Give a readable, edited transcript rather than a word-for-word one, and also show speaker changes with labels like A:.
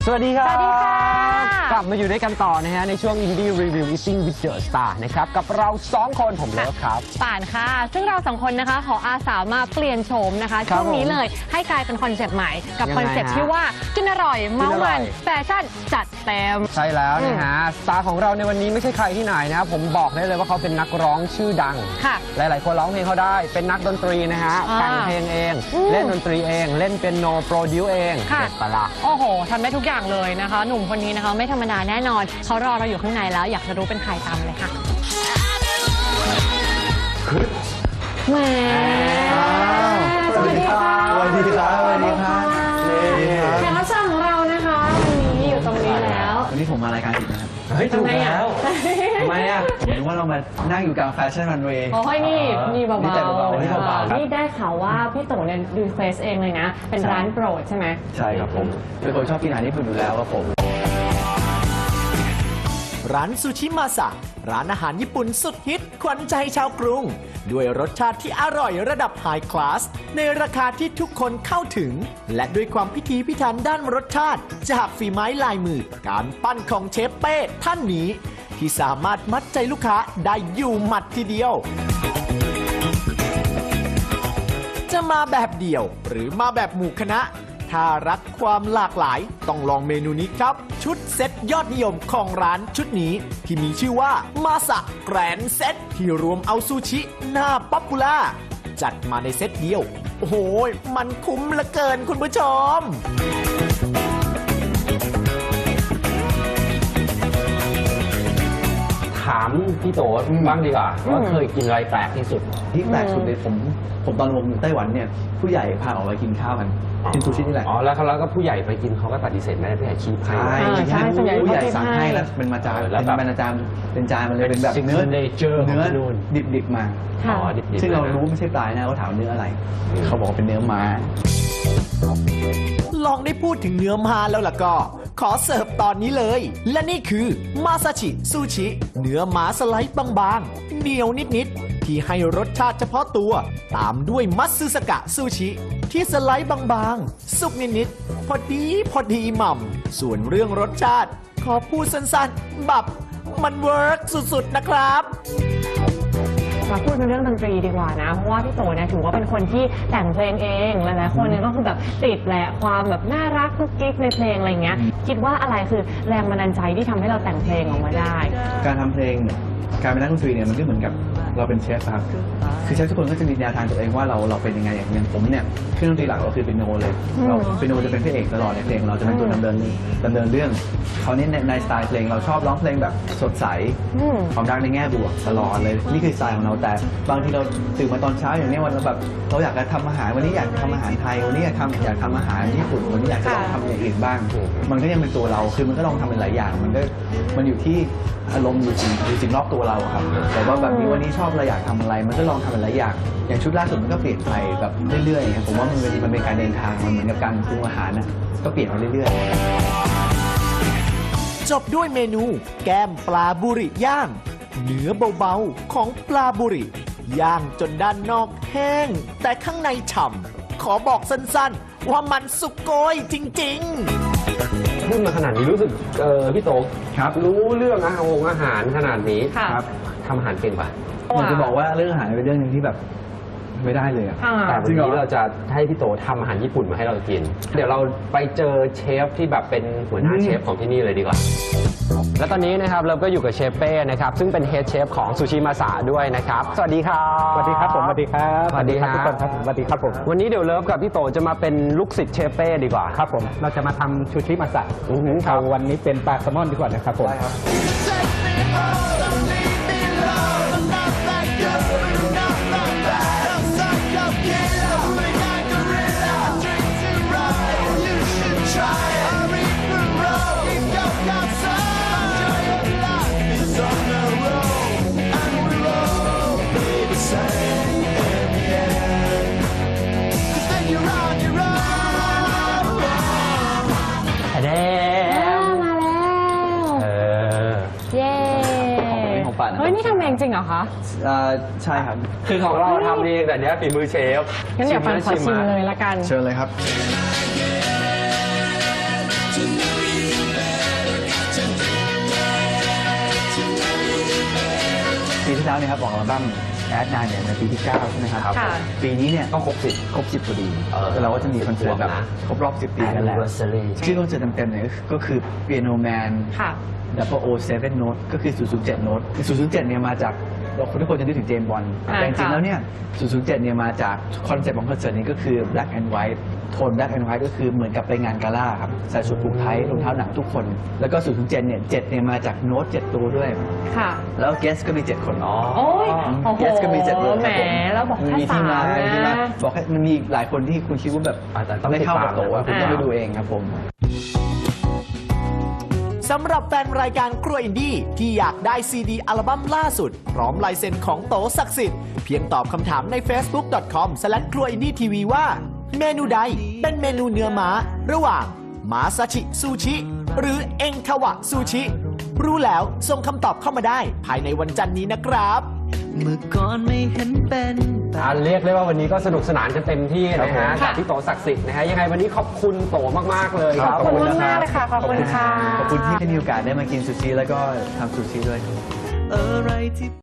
A: สวัสดีครับ
B: สวัสดีค่ะ
A: กลับมาอยู่ด้วยกันต่อนะฮะในช่วง Indie Review Eating with the Star นะครับกับเรา2คนผมเลิฟครับ
B: ป่านค่ะซึ่งเรา2คนนะคะขออาสามาเปลี่ยนโฉมนะคะ
A: ครับ
B: ช่วงนี้เลยให้กลายเป็นคอนเซปต์ใหม่กับ
A: ยังไง
B: คอนเซปต์
A: ฮะ
B: ที่ว่ากินอร่อยเมา
A: กินอร่
B: มั
A: อย
B: นแฟชั่นจัดเต็ม
A: ใช่แล้วนะฮะสตาร์ของเราในวันนี้ไม่ใช่ใครที่ไหนนะครับผมบอกได้เลยว่าเขาเป็นนักร้องชื่อดัง
B: ค่ะ
A: หลายๆคนร้องเพลงเขาได้เป็นนักดนตรีนะฮะ
B: อ่า
A: แต่งเพลงเอง เล่นดนตรีเองเล่นเปียโนโปรดิวเอง
B: ค่ะ
A: เด็ดปะละ
B: โอ้โหทำได้ทุกอย่างเลยนะคะ หนุ่มคนนี้นะคะไม่ธรรมดาแน่นอนเขารอเราอยู่ข้างในแล้วอยากจะรู้เป็นใครตามเลยค่ะแหมสวัสดีค่ะ
C: สวัสดีครับ สวัสดีครับ
B: แขกรับเชิญของเรานะคะวันนี้อยู่ตรงนี้แล้ว
C: วันนี้ผมมารายการอีกนะครับ
A: เฮ้ยถูกแล้วทำไมอ่ะ
C: ผมนึกว่าเรามานั่งอยู่กลางแฟชั่นรันเวย์
B: โอ้ยนี่เบา
C: นี่แต่เบาๆ
A: นี่เบาๆครับ
B: นี่ได้ข่าวว่าพี่โตเนี่ยดูเฟซเองเลยนะ เป็นร้านโปรดใช่ไหม
C: ใช่ครับผมเป็นคนชอบกินอาหารญี่ปุ่นอยู่แล้วครับผม
D: ร้านซูชิมาสะร้านอาหารญี่ปุ่นสุดฮิตขวัญใจชาวกรุง ด้วยรสชาติที่อร่อยระดับไฮคลาส ในราคาที่ทุกคนเข้าถึง และด้วยความพิถีพิถันด้านรสชาติ จากฝีไม้ลายมือ การปั้นของเชฟเป้ท่านนี้ ที่สามารถมัดใจลูกค้าได้อยู่หมัดทีเดียว จะมาแบบเดี่ยวหรือมาแบบหมู่คณะ ถ้ารักความหลากหลายต้องลองเมนูนี้ครับ ชุดเซ็ตยอดนิยมของร้านชุดนี้ ที่มีชื่อว่ามาสะแกรนเซ็ตที่รวมเอาซูชิหน้าป๊อปปูล่าจัดมาในเซ็ตเดียว โอ้โห มันคุ้มเหลือเกินคุณผู้ชม
A: ถามพี่โตบ้างดีกว่าว่าเคยกินอะไรแปลกที่สุด
C: ที่แปลกสุดเลยผมตอนผมอยู่ไต้หวันเนี่ยผู้ใหญ่พาออกไปกินข้าวกันกินซูชินี่แหละ
A: อ๋อแล้วก็ผู้ใหญ่ไปกินเขาก็ปฏิเสธไม่ได้ผู้ใหญ่ชี้ให้
B: ใช่ส่วนใหญ่
C: ผู้ใหญ่
B: เขา
C: สั่ง
B: ให้
C: ให้แล้วเป็นมาจาน
A: แล้วแบบ
C: เป็นจานเป็นจานมันเลยเป็นแบบเนื้อ
A: signature ของที่นู่น
C: ดิบๆมา
B: ค่ะ
A: อ๋อดิบๆ
C: ซึ่งเรา
A: ลยนะ
C: รู้ว่าไม่ใช่ปลานะเขาถามเนื้ออะไร เขาบอกว่าเป็นเนื้อม้า
D: ลองได้พูดถึงเนื้อมาแล้วล่ะก็ ขอเสิร์ฟตอนนี้เลย และนี่คือมาซาชิซูชิ เนื้อหมาสไลด์บางๆเหนียวนิดๆ ที่ให้รสชาติเฉพาะตัว ตามด้วยมัตสึสกะซูชิ ที่สไลด์บางๆ สุกนิดๆ พอดีหม่ำส่วนเรื่องรสชาติ ขอพูดสั้นๆแบบมันเวิร์กสุดๆนะครับ
B: มาพูดในเรื่องดนตรีดีกว่านะเพราะว่าพี่โตเนี่ยถือว่าเป็นคนที่แต่งเพลงเองหลายๆคนเนี่ยก็คือแบบติดแหละความแบบน่ารักกุ๊กกิ๊กในเพลงอะไรเงี้ยคิดว่าอะไรคือแรงบันดาลใจที่ทำให้เราแต่งเพลงออกมาได้
C: การทำเพลงเนี่ยการเป็นนักดนตรีเนี่ยมันก็เหมือนกับเราเป็นเชฟครับคือเชฟทุกคนก็จะมีแนวทางตัวเองว่าเราเป็นยังไงอย่างผมเนี่ยเครื่องดนตรีหลักเราคือเปียโนเลยเราเปียโนจะเป็นพระเอกตลอดในเพลงเราจะเป็นตัวดำเนินเรื่องเขาวนี้ในสไตล์เพลงเราชอบร้องเพลงแบบสดใส
B: อืม
C: ความรักในแง่บวกตลอดเลยนี่คือสไตล์ของเราแต่บางทีเราตื่นมาตอนเช้าอย่างนี้วันเราแบบเราอยากจะทำอาหารวันนี้อยากทำอาหารไทยวันนี้อยากทำอาหารญี่ปุ่นวันนี้อยากจะลองทำอย่างอื่นบ้าง มันก็ยังเป็นตัวเราคือมันก็ลองทำเป็นหลายอย่างมันอยู่ที่อารมณ์อยู่สิ่งรอบตัวเราครับแต่ว่าแบบนี้วันนี้ชอบเราอยากทำอะไรมันก็ลองทำเป็นหลายอย่างอย่างชุดล่าสุดมันก็เปลี่ยนไปแบบเรื่อยๆผมว่ามันเป็นการเดินทางมันเหมือนกับการปรุงอาหารนะก็เปลี่ยนไปเรื่อยๆ
D: จบด้วยเมนูแก้มปลาบุริย่าง เนื้อเบาๆของปลาบุริย่างจนด้านนอกแห้ง แต่ข้างในฉ่ำขอบอกสั้นๆ ว่ามันสุกโกยจริงๆ
A: พูดมาขนาดนี้รู้สึกพี่โต
C: ครับ
A: รู้เรื่องอาหารขนาดนี้
B: ค่ะ
C: ครับ
A: ทำอาหารเก่งป่ะ
C: อยากจะบอกว่าเรื่องอาหารเป็นเรื่องหนึ่งที่แบบไม่ได้เลยอะ
B: ค่ะ
A: แต่วัน
C: จริงเหร
A: นี้
C: อ
A: เราจะให้พี่โตทำอาหารญี่ปุ่นมาให้เรากิน เดี๋ยวเราไปเจอเชฟที่แบบเป็นหัวหน้าเชฟของที่นี่เลยดีกว่า และตอนนี้นะครับเราก็อยู่กับเชฟเป้นะครับซึ่งเป็นเฮดเชฟของซูชิมาสะด้วยนะครับสวัสดีครับ
E: สวัสดีครับผมสวัสดีครับ
A: สวัสดีครับ
E: ทุกคนครับสวัสดีครับผม
A: วันนี้เดี๋ยวเลิฟกับพี่โตจะมาเป็นลูกศิษย์เชฟเป้ดีกว่า
E: ครับผมเราจะมาทำชูชิมาสะ
A: อือหือครับ
E: เอาวันนี้เป็นปลาแซลมอนดีกว่านะครับผม
A: แดง
B: มาแล้ว เย้
C: ของป่านนะ
B: เฮ้ยนี่ทำเองจริงเหรอคะ
C: ใช่ครับ
A: คือของเราทำเองแต่เนี้ยฝีมือเชฟ
B: งั้นเดี๋ยวปันขอชิมเลยละกัน
C: เชิญเลยครับที่แล้วเนี่ยครับออกอัลบั้มแอดนายเนี่ยในปีที่ 9 ใช่ไหมครับ
B: ค่ะ
C: ปีนี้เนี่ย
A: ต้องครบ
C: ครบ 10พอดี
A: 10
C: แล้วเราก็จะมีคอนเสิร์ตแบบ
A: นะ
C: ครบรอบ 10 ปีกันแล้ว
A: Anniversary
C: ชื่อคอนเสิร์ตเต็มๆเนี่ยก็คือ Piano Man
B: ค่ะ
C: 007 Note ก็คือ 007 Note 007 เนี่ยมาจากเราทุกคนจะนึกถึงเจมส์บอนด์
B: อ่า
C: แต่จริงๆ
B: ค่ะ
C: แล้วเนี่ย 007 เนี่ยมาจากคอนเซ็ปต์ของคอนเสิร์ตนี้ก็คือ Black and White โทน Black and White ก็คือเหมือนกับไปงานกาล่าครับใส่ชุดผูกไทยรองเท้าหนังทุกคน แล้วก็ 007 เนี่ย 7 เนี่ยมาจากโน้ต 7 ตัวด้วย
B: ค่ะ
C: แล้วเกสก็มี 7 คน
B: โอ้ยโอ้โห
C: เกสก็มี 7 คน
B: แหมแล้วบอกแค่
C: มีที่มา
B: 3
C: มีที่มา
B: นะ
C: บอกให้มันมีหลายคนที่คุณคิดว่าแบบ
A: แต่ต้อง
C: ไม่เข้ากับ
A: ติดตาม
C: โตอะ
A: นะ
C: คุณต้องไปดูเองครับผม
D: สำหรับแฟนรายการครัวอินดี้ที่อยากได้ซีดีอัลบั้มล่าสุด พร้อมลายเซ็นของโตศักดิ์สิทธิ์เพียงตอบคำถามใน facebook.com/cruaindytv ว่าเมนูใดเป็นเมนูเนื้อม้าระหว่างมาซาชิซูชิ หรือเอ็งคาวะซูชิ รู้แล้วส่งคำตอบเข้ามาได้ภายในวันจันทร์นี้นะครับ
F: เมื่อก่อนไม่เห็นเป็นแต่
A: เรียกได้ว่าวันนี้ก็สนุกสนานกันเต็มที่นะ
C: ครั
A: ฮะ
C: บผม
A: กับพี่โตศักดิ์สิทธิ์นะฮะยังไงวันนี้ขอบคุณโตมากๆเลยครับ
B: ขอบคุณมากๆเลยค่ะขอบคุณค่ะ
C: ขอบคุณที่ได้มีโอกาสได้มากินซูชิแล้วก็ทำซูชิด้วย
F: อะไรที่